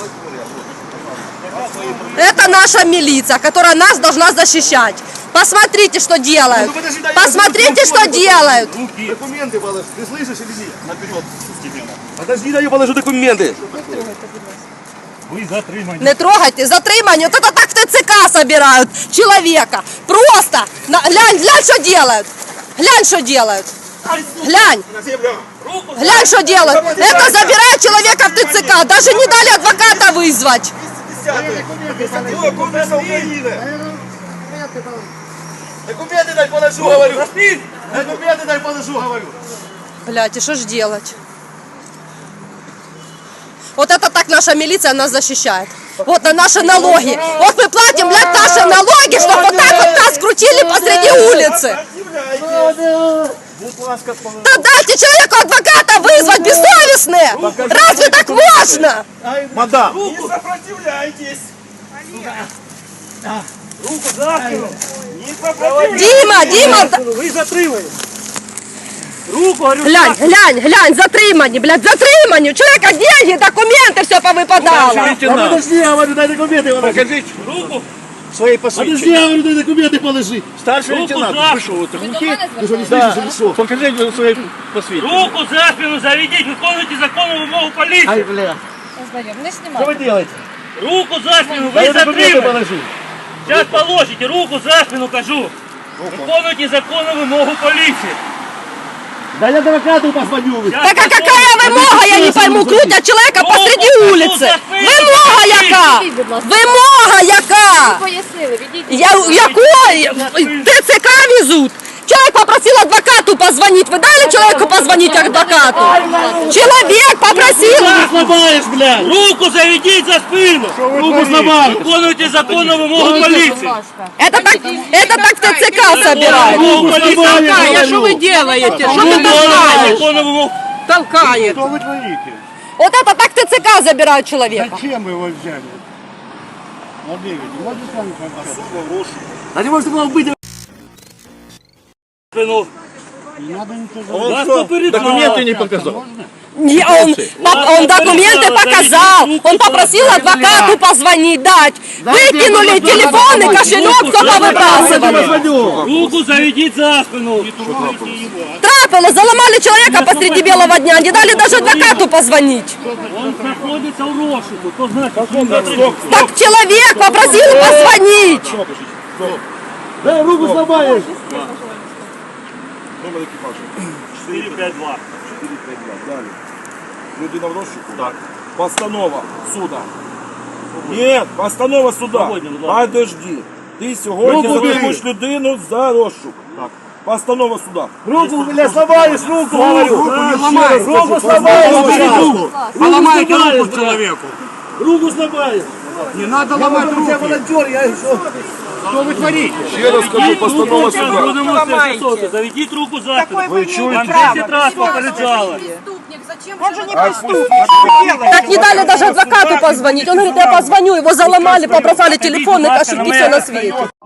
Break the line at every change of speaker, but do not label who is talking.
Это наша милиция, которая нас должна защищать. Посмотрите, что делают. Посмотрите, что делают.
Документы положи. Ты слышишь или нет? Наперед. Подожди, дай я положу документы.
Ви затримані.
Не трогайте, затримание. Вот это так в ТЦК собирают человека. Просто. Глянь, глянь, что делают. Глянь, что делают. Глянь. Глянь, что делают. Это забирают человека в ТЦК. Даже не дали адвоката вызвать.
Документы дай положу, говорю. Документы дай положу, говорю.
Блядь, и что ж делать? Вот это так наша милиция нас защищает. Вот на наши налоги. Вот мы платим, блядь, наши налоги, чтобы вот так вот нас крутили посреди улицы. Да дайте человеку адвоката вызвать, бессовестные. Разве так можно?
Мадам.
Не сопротивляйтесь. Руку за спину. Не сопротивляйтесь.
Дима,
Ви затримані. Руку, говорю,
глянь, глянь, глянь, затримані, блядь, затримані. У человека деньги, документы, все повыпадало.
Подожди, я говорю, дай документы положи.
покажіть руку.
Свои посвідчення. Подожди, я говорю, дай документы положи. Старший
Руку
лейтенант,
за
вы что, вы
Ви до
глухие?
мене
Вы что, не
звертаєтесь?
слышите, или что? Покажите свои посвідчення.
Руку за спину заведіть, виконуйте законну вимогу поліції.
Ай, бля.
Не
Что вы
знімайте.
делаете?
Руку за спину,
Дай
ви
документы
затримані.
положи.
Зараз положите, руку за спину, кажу. Виконуйте законну вимогу поліції.
Да я адвокату позвоню.
Щас
Так а какая вымога, я не пойму, крутят человека посреди улицы. Вымога яка? Вымога яка?
Пояснили, відійдіть.
Якой? ТЦК везут. Человек попросил адвокату позвонить. Вы дали человеку позвонить адвокату? Человек попросил.
Сломаешь, блядь.
Руку заведіть за спину.
Руку сломаешь.
Виконуйте законну вимогу поліції.
Это так в ТЦК собирают.
Вимогу поліції.
А что вы делаете? Что ты
Виконуйте
толкаешь?
законну вимогу.
Толкает.
Что вы творите?
Вот это так в ТЦК забирают человека.
Зачем вы его взяли? Владимир, можно с вами пообщаться? А не может было быть...
Спину.
Не надо ничего.
Вас попереджали.
Документы не показал.
Он документы показал, он попросил адвокату позвонить, дать. Выкинули телефон и кошелек, кто повыбрасывали.
Руку заведіть за спину.
Трапило, заломали человека посреди белого дня, не дали даже адвокату позвонить.
Он знаходиться у розшуку. Хто знає, що він затриманий.
Так человек попросил позвонить.
Да, руку сломаешь.
Номер екіпажу.
452.
452. Далі. Людина в розшуку? Так. Постанова суда. Ні, постанова суда.
Сьогодні, будь ласка.
Подожди. Ти сьогодні
Руку
затримуєш людину за розшук. Так. Постанова суда.
Руку, бля, сломаешь, руку, говорю. Руку сломаешь.
Поломайте руку человеку.
Руку сломаешь.
Не надо
Я волонтер, я что?
Что вы творите?
Ще раз кажу, постанова суда.
Будемо все. Заведіть руку за спину.
Ви чуєте?
Вам 10 раз попереджали.
Преступник, зачем же
Так не дали даже адвокату позвонить. Он говорит, я позвоню, его заломали, побросали телефон и кошельки, все на свете.